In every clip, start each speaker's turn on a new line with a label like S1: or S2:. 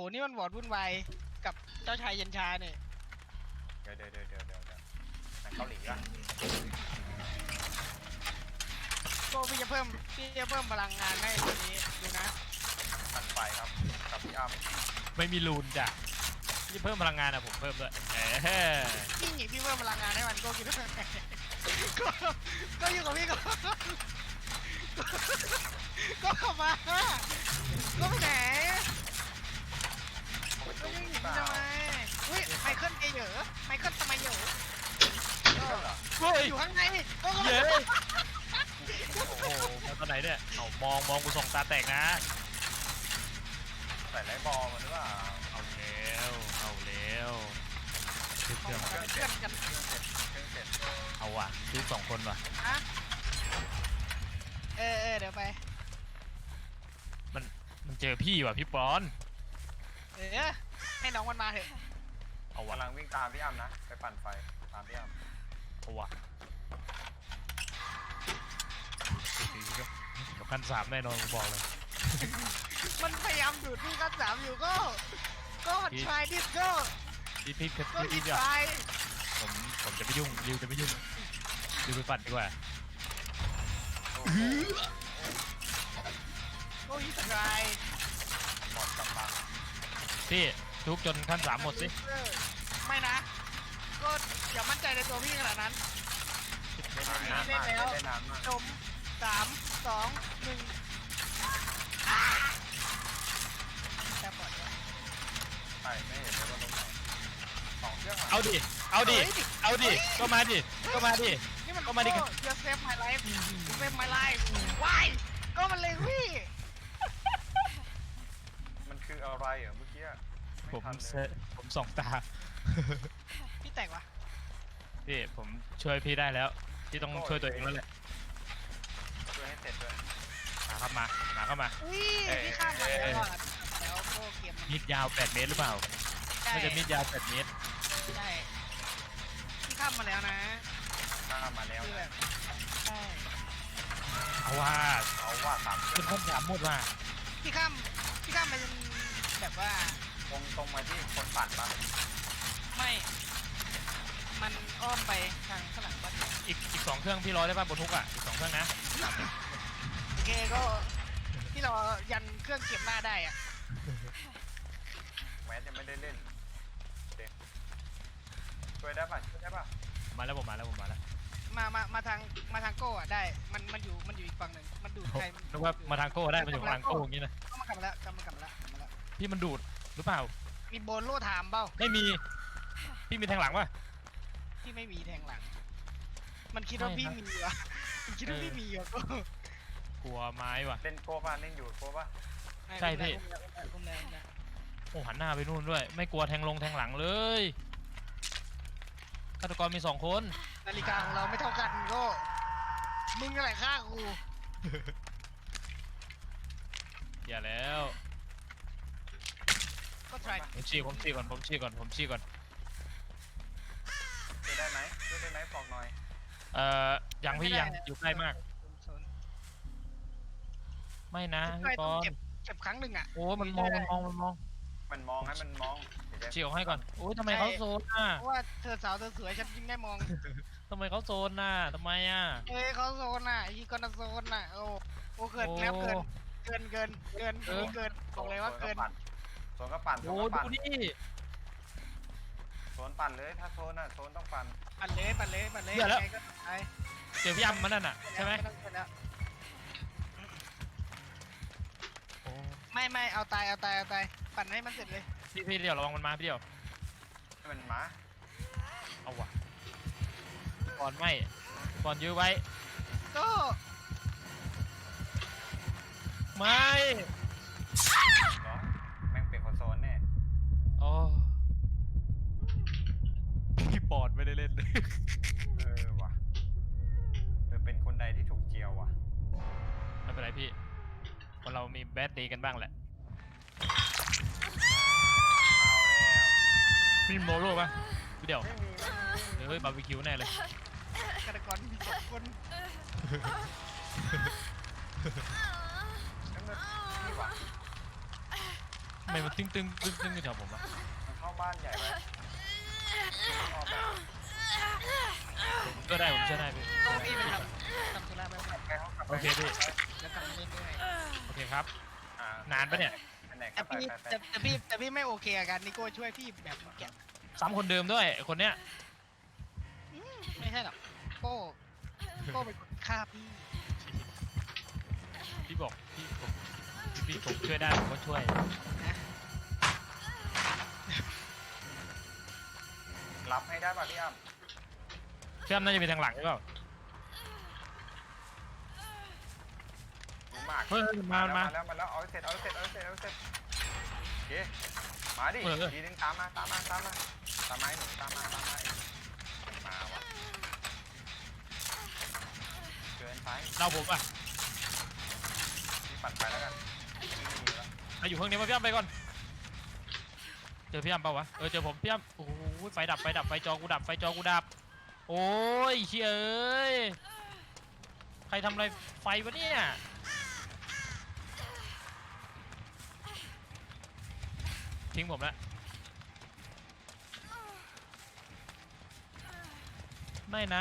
S1: นี่มันวอร์ดวุ่นวายกับเจ้าชายเย็นชาเนี่ย
S2: เดี๋ยวหนังเกาหลีอ่ะ
S1: ก็พี่จะเพิ่มพลังงานให้ตัวนี้ดูนะ
S2: ปั่นไฟครับกับพี่อ้ำ
S3: ไม่มีรูนจ้ะพี่เพิ่มพลังงานอะผมเพิ่มด้วย
S1: พี่หนีพี่เพิ่มพลังงานให้มันก็คิดว่าก็อยู่กับพี่ก็เข้ามาก็ไปไหนก็ยังหนีทำไมอุ้ยไมเคิลเยอะไมเคิลทำไมเยอะอยู่ข้างในก็
S3: เย้โอ้โหมาตอนไหนเนี่ยเอามองกูส่งตาแตกนะ
S2: ใส่ไรบอลมันหรือเปล่า
S3: เอาแล้วเครื่อง
S1: เพื่อนกัน
S3: เอาว่ะซื้อ2 คนว่ะ
S1: เดี๋ยวไป
S3: มันเจอพี่ว่ะพี่ปอน
S1: ให้น้องมันมาเถอะ
S3: เอาว่ะ
S2: กำลังวิ่งตามพี่อ้ำนะไปปั่นไฟตามพี่อ้ำ
S3: เอาว่ะเดี๋ยวขั้น3แน่นอนกูบอกเลย
S1: มันพยายามดูดที่ขั้น3อยู่ก็try this ก็
S3: พี่
S1: try
S3: ผมจะไม่ยุ่งริวจะไม่ยุ่งริวไปปั่นดีกว่า
S1: ก็try
S2: หมดกำลัง
S3: พี่ทุกจนขั้น3หมดสิ
S1: ไม่นะก็อย่ามั่นใจในตัวพี่ขนาดนั้น
S2: เล่นแล้ว
S1: จม3 2 1แต่ปลอดภัย
S2: ใช่ไม่เห็นเลยว่าลงไหน2 เครื่อง
S3: เอาดิก็มาดิ
S1: นี่มันก็มาดิ You save my life You save my life Why ก็มันเลยพี่
S2: มันคืออะไรเหรอเมื่อกี้
S3: ผมส่องตา
S1: พี่แตกวะ
S3: พี่ผมช่วยพี่ได้แล้วพี่ต้องช่วยตัวเองแล้วแหละ
S2: ช่วยให้เสร็จด้วย
S3: มาเข้ามา
S1: พี่ข้ามมาแล้วก็เกม
S3: มิดยาว8 เมตรหรือเปล่าน่าจะมิดยาว8 เมตร
S1: ใช่พี่ข้ามมาแล้วนะ
S2: ข้ามมาแล้ว
S1: ใช่
S3: เอาว่า
S2: 3
S3: เป็นขั้น3หมดว่ะ
S1: พี่ข้ามมันแบบว่า
S2: ตรงมาที่คนปั่นปะ
S1: ไม่มันอ้อมไปทางข้างหลังบ้าน
S3: อีก2 เครื่องพี่ร้อยได้ป่ะบนทุกอ่ะอีก2 เครื่องนะ
S1: โอเคก็ที่เรายันเครื่องเก็บหน้าได้อ่ะ
S2: แม้จะไม่ได้เล่นช่วยได้ป่ะ
S3: มาแล้วผมมาแล้ว
S1: มาทางโก้อ่ะได้มันอยู่อีกฝั่งหนึ่งมันดูดใคร
S3: นึกว่ามาทางโก้ได้มันอยู่ทางโก้อย่างนี้นะ
S1: ก็มากลับมาแล้ว
S3: พี่มันดูดหรือเปล่า
S1: มีโบนโล่ถามเปล่า
S3: ไม่มีพี่มีแทงหลังป่ะ
S1: พี่ไม่มีแทงหลังมันคิดว่าพี่มีวะมันคิดว่าพี่มีวะก็
S3: กลัวไม้ว่ะ
S2: เล่นโก้ป่ะเล่นอยู่โก้ป่ะ
S3: ใช่พี่โอ้หันหน้าไปนู่นด้วยไม่กลัวแทงหลังเลยฆาตกรมี2 คน
S1: นาฬิกาของเราไม่เท่ากันก็มึงอะไรฆ่ากู
S3: อย่าแล้ว
S1: ก็ try
S3: ผมชี้ก่อน
S2: ช่วยได้ไหมบอกหน่อย
S3: ยังพี่ยังอยู่ใกล้มากไม่นะพี่ปอน
S1: เก็บครั้งหนึ่งอ่ะ
S3: โอ้มันมองให้มันมองชี้ออกให้ก่อนโอ้ยทำไมเขาโซนน่ะ
S1: เพราะว่าเธอสาวเธอสวยฉันยิ่งได้มอง
S3: ทำไมเขาโซนน่ะทำไมอ่ะ
S1: เขาโซนน่ะอีกอนโซนน่ะโอ้เกินแล้วเกินบอกเลยว่าเกิน
S2: โซนก็ปั่น
S3: โอ้ดูนี่
S2: โซนปั่นเลยถ้าโซนน่ะโซนต้องปั่น
S1: เลย
S3: ยังไงก็ไปเจอพี่ยำมันนั่นน่ะใช่ไหม
S1: ไม่เอาตายปั่นให้มันเสร็จเลย
S3: พี่เดี๋ยวระวังมันมาพี่เดี๋ยว
S2: ให้มันมา
S3: เอาว่ะก่อนไม่ก่อนยื้อไว้
S1: ก็
S3: ไม่
S2: แม่งเปลี่ยนคนโซนแน่
S3: อ๋อพี่ปอดไม่ได้เล่น
S2: ว่ะเป็นคนใดที่ถูกเจียวว่ะ
S3: ไม่เป็นไรพี่คนเรามีแบดดีกันบ้างแหละมีโมโร่ป่ะเดี๋ยวเฮ้ยบาร์บีคิวแน่เลย
S1: ฆาตกรมี2 คน
S3: ทำไมมันตึ้งตึ้งตึ้งตึ้งอยู่แถวผมอะ
S2: มันเข้าบ้านใหญ่ไปออกแบบ
S3: ก็ได้ผมเชื่อได้พี่
S1: โอ้พี่ไปทำธุระไปแล้ว
S2: ไปเขากลับไป
S3: โอเคพี่
S1: กลับมาเล่นด้วย
S3: โอเคครับ
S2: อ่าน
S3: านปะเนี่ย
S2: ไปไหน
S1: แต่
S2: ก็ไป
S1: พี่
S2: ไป
S1: แต่พี่ไม่โอเคกับการนิโก้ช่วยพี่แบบเมื่อกี้
S3: ซ้ำคนเดิมด้วยคนเนี้ย
S1: ไม่ใช่หรอกโก้เป็นคนฆ่าพี่
S3: พี่บอกพี่ผมช่วยได้ผมก็ช่วย
S1: นะ
S2: รับให้ได้ป่ะพี่อ้ำ
S3: พี่อ้ำน่าจะมีทางหลังหรือเปล่า
S2: รู้มาก
S3: เฮ้ยมา
S2: แล้วเอาให้เสร็จโอเคมาดิทีนึงตามมาให้หนูตามมาวะเกินไป
S3: เราผมอ่ะ
S2: พี่ปั่นไปแล้วกันนี่แล้ว
S3: มาอยู่เครื่องนี้มาพี่อ้ำไปก่อนเจอพี่อ้ำเปล่าวะเจอผมพี่อ้ำโอ้โหไฟดับไฟจอกูดับโอ้ยเชี่ยเอ้ยใครทำอะไรไฟวะเนี่ยทิ้งผมแล้วไม่นะ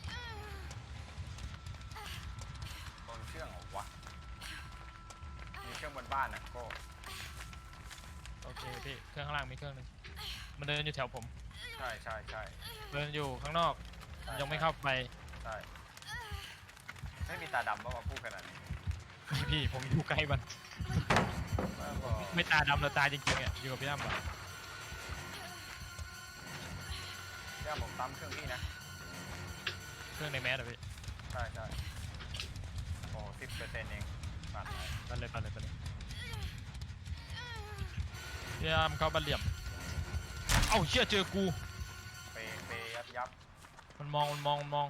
S2: โดนเชื่องเหรอวะมีเครื่องบนบ้านนะโก้
S3: โอเคพี่เครื่องข้างล่างมีเครื่องหนึงมันเดินอยู่แถวผม
S2: ใช่
S3: เดินอยู่ข้างนอกยังไม่เข้าไป
S2: ใช่ไม่มีตาดำเพราะว่าพูดขนาดนี้
S3: พี่ผมอยู่ใกล้มัน
S2: แล้วก็
S3: ไม่ตาดำแต่ตาจริงๆอ่ะอยู่กับพี่อ้ำอะ
S2: ย่าผมตามเครื่องพี่นะ
S3: เครื่องในแมสอะพี่
S2: ใช่โอ้10%เองปัดไป
S3: ไปเลยพี่อ้ำเข้าบ้านเหลี่ยมเอ้าเชี่ยเจอกู
S2: เปยับ
S3: มันมอง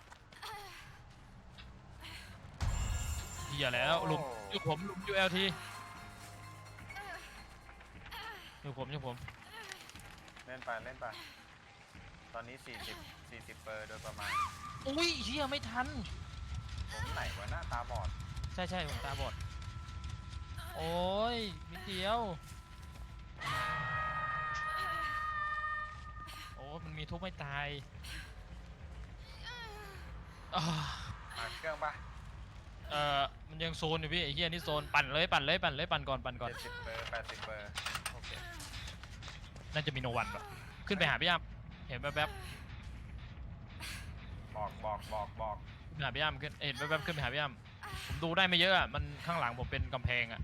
S3: เหี้ยแล้วหลุมอยู่ผมหลุมอยู่ LT อยู่ผม
S2: เล่นไปตอนนี้40เปอร์โดยประมาณ
S3: อุ้ยเชี่ยไม่ทัน
S2: ผมไหนวะหน้าตาบอด
S3: ใช่ผมตาบอดโอ้ยนิดเดียวโอ้มันมีทุบไม่ตายอ่า
S2: เครื่องปะ
S3: มันยังโซนอยู่พี่ไอ้เหี้ยนี่โซนปั่นก่อนปั่นก่อน
S2: 70เปอร์80เปอร์
S3: โอเคน่าจะมีโนวันป่ะขึ้นไปหาพี่อ้ำเห็นแวบ
S2: บอก
S3: ๆขึ้นไปหาพี่อ้ำเห็นแวบๆขึ้นไปหาพี่อ้ำผมดูได้ไม่เยอะอ่ะมันข้างหลังผมเป็นกำแพงอ่ะ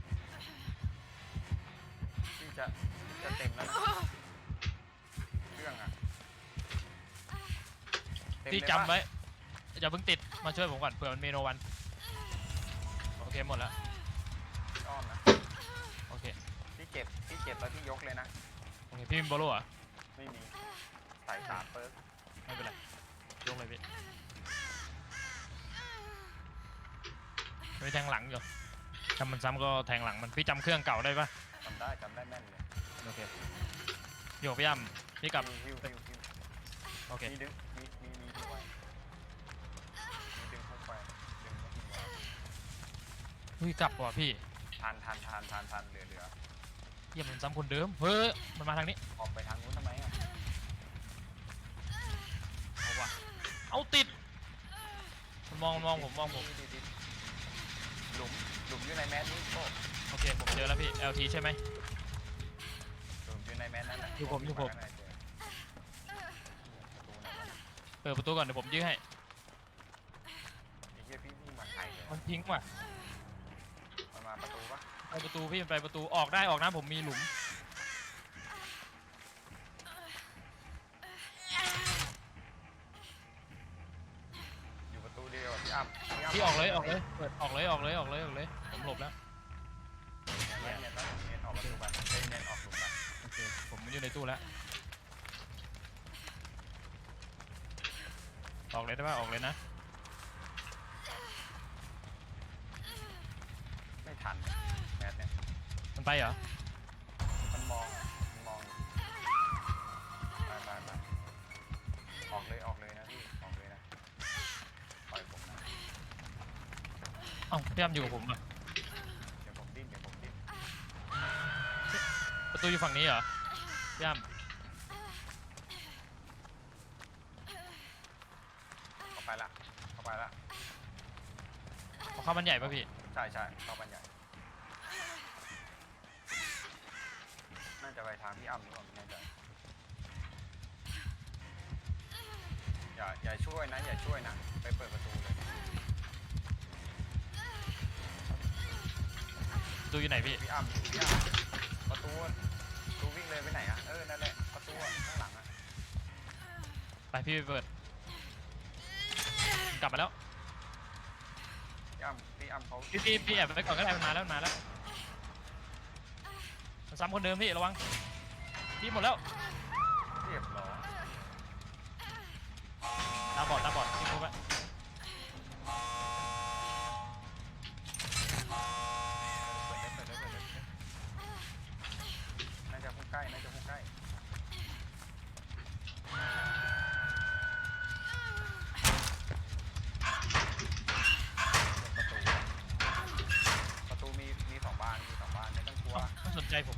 S2: ที่จะเต็มแล้วนะเครื่องอะเต็ม
S3: ที่
S2: เลย
S3: จำ
S2: ปะ
S3: ไว้อย่าเพิ่งติดมาช่วยผมก่อนเผื่อมันมีโนวันโอเคหมดแล้ว
S2: อ้อมนะ
S3: โอเค
S2: พี่เก็บแล้วพี่ยกเลยนะ
S3: โอเคพี่มีโบโล่เหรอ่ะ
S2: ไม่มีใส่3เปิร์ก
S3: ไม่เป็นไรยกเลยพี่ไม่แทงหลังอยู่ถ้ามันซ้ำก็แทงหลังมันพี่จำเครื่องเก่าได้ปะ
S2: จำได้แม่นเลย
S3: โอเคโยกพี่อ้ำพี่กลับ
S2: ฮิว
S3: โอเค
S2: มีดึงดึงไว้มีดึงเข้าไปดึงไม่ทิ้งไว้
S3: เฮ้ยกลับว่ะพี่
S2: ทันเหลือ
S3: เยี่ยมมันซ้ำคนเดิมเฮ้ยมันมาทางนี้
S2: ออกไปทางนู้นทำไมอ่ะ
S3: เอาว่ะเอาติดมันมองผม
S2: ติดหลุมอยู่ในแมสนี่โก้
S3: โอเคผมเจอแล้วพี่ LT ใช่ไหม
S2: หลุมอยู่ในแมสนั่นแหละ
S3: อยู่ผม
S2: ข้างในเจอประตูไหนวะ
S3: เปิดประตูก่อนเดี๋ยวผมยื้อให้
S2: ไอ้เหี้ยพี่นี่มาไทยเลย
S3: มันทิ้งว่ะ
S2: มันมาประตูปะ
S3: ไปประตูพี่มันไปประตูออกได้ออกนะผมมีหลุม
S2: อยู่ประตูเดียวอะพี่อ้ำ
S3: พี่ออกเลยเปิดออกเลยผมหลบแล้ว
S2: เนียนออกประตูไปเนียนออกหลุมไป
S3: โอเคผมอยู่ในตู้แล้วออกเลยได้ป่ะออกเลยนะ
S2: ไม่ทันแมสเนี่ย
S3: มันไปเหรอ
S2: มันมองอยู่ไปออกเลยนะพี่ออกเลยนะปล่อยผมนะ
S3: เอ้าพี่อ้ำอยู่กับผมอ่ะ
S2: เดี๋ยวผมดิ้น
S3: ประตูอยู่ฝั่งนี้เหรอพี่อ้ำ
S2: เข้าไปละเข้าไปละ
S3: เอาเข้ามันใหญ่ป่ะพี่
S2: ใช่ใช่เข้าบ้านใหญ่น่าจะไปทางพี่อ้ำหรือเปล่าไม่แน่ใจอย่าช่วยนะอย่าช่วยนะไปเปิดประตูเลย
S3: ประตูอยู่ไหนพี่
S2: พี่อ้ำประตูวิ่งเลยไปไหนอะนั่นแหละประตูข้างหลังอะ
S3: ไปพี่ไปเปิด กลับมาแล้ว
S2: พี่อ้ำเขา
S3: พี่แอบไปก่อนก็ได้มันมาแล้วมันซ้ำคนเดิมพี่ระวังพี่หมดแล้ว
S2: เรียบร้อย
S3: ตาบอดพี่ครบแล้ว
S2: เปิดเลยน่าจะพุ่งใกล้ประตูมีสองบานไม่ต้องกลัว
S3: ไม่สนใจผม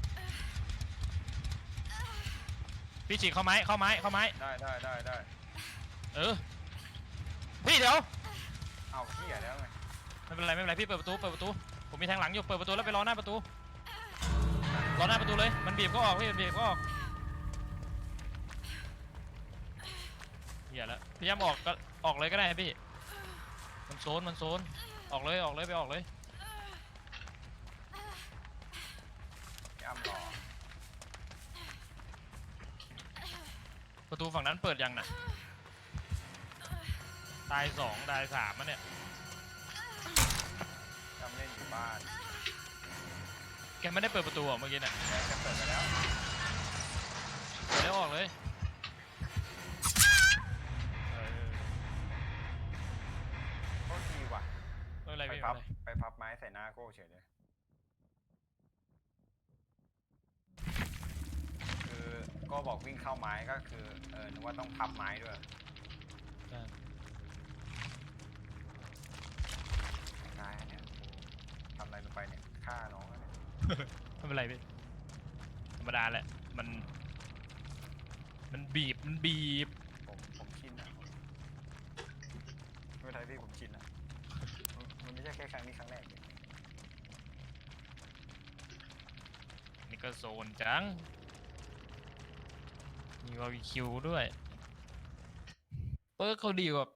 S3: พี่ฉีกเข้าไม้
S2: ได้
S3: เออพี่เดี๋ยว
S2: เอาเหี้ยแล้วไง
S3: ไม่เป็นไรพี่เปิดประตูผมมีทางหลังอยู่เปิดประตูแล้วไปรอหน้าประตูเลยมันบีบก็ออกพี่มันบีบก็ออกเหี้ยแล้วพี่ย้ำออกเลยก็ได้พี่มันโซนออกเลยไปออกเลย
S2: พี่อ้ำรอ
S3: ประตูฝั่งนั้นเปิดยังน่ะตาย2ตาย3มันเนี่ย
S2: พี่อ้ำเล่นอยู่บ้าน
S3: แกไม่ได้เปิดประตูอ่ะเมื่อกี้น่ะ
S2: แกจะเปิดไปแล้ว
S3: เปิดแล้วออกเลยเออ
S2: โคตรดีว่ะ
S3: ไม่เป็นไร
S2: ไป
S3: พี่
S2: พับไม้ใส่หน้าโก้เฉยเลยคือก็บอกวิ่งเข้าไม้ก็คือนึกว่าต้องพับไม้ด้วยตายเนี่ยทำอะไรลงไปเนี่ยฆ่าน้องแล้วเนี่ย
S3: ไม่เป็นไรพี่ธรรมดาแหละมันบีบ
S2: ผมชินนะไม่เป็นไรพี่ผมชินนะมันไม่ใช่แค่ครั้งนี้ครั้งแรกเลย
S3: นี่ก็โซนจังมีบาร์บีคิวด้วยเปิร์กเขาดีกว่า